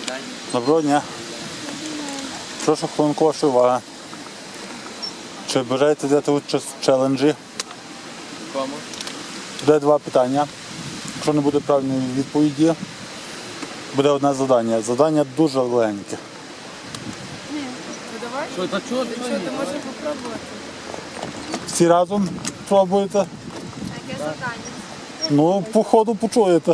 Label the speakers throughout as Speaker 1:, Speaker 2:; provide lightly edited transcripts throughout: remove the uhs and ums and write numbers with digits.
Speaker 1: Доброго дня. Прошу хвилинку вашої уваги. Чи бажаєте взяти участь в челенджі?
Speaker 2: Кому?
Speaker 1: Буде два питання. Якщо не буде правильної відповіді, буде одне завдання. Завдання дуже легеньке.
Speaker 3: Ну давай.
Speaker 2: Що, та чого?
Speaker 3: Що, ти можеш попробувати?
Speaker 1: Всі разом пробуєте?
Speaker 3: Яке завдання?
Speaker 1: Ну, по ходу почуєте.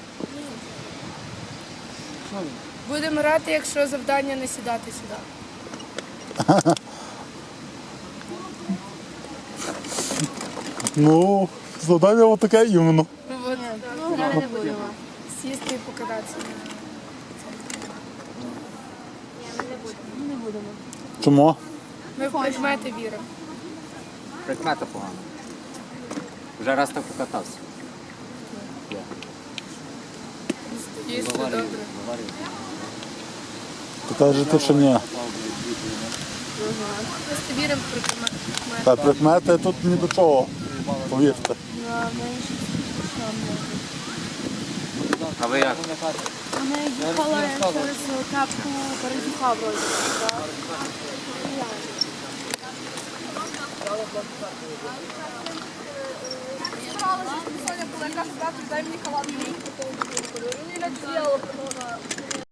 Speaker 3: Будемо грати, якщо завдання не сідати сюди.
Speaker 1: Ну, завдання отаке іменно.
Speaker 3: Ну, от,
Speaker 4: Ми не будемо.
Speaker 3: сісти і покататися.
Speaker 4: Не будемо.
Speaker 1: Чому?
Speaker 3: Ми в предмети віримо.
Speaker 2: Прикмета погано. Вже раз так покатався.
Speaker 3: Їсти добре.
Speaker 1: То кажете, що ні.
Speaker 3: Просто віримо в предмети.
Speaker 1: Та прикмети тут ні до чого. Повірте.
Speaker 2: А ви як?
Speaker 4: Ми їхали через капку Березюка вроді.
Speaker 5: Старалася спеціально, коли я кажу, брат, дай мені халат. Ні, я діяла,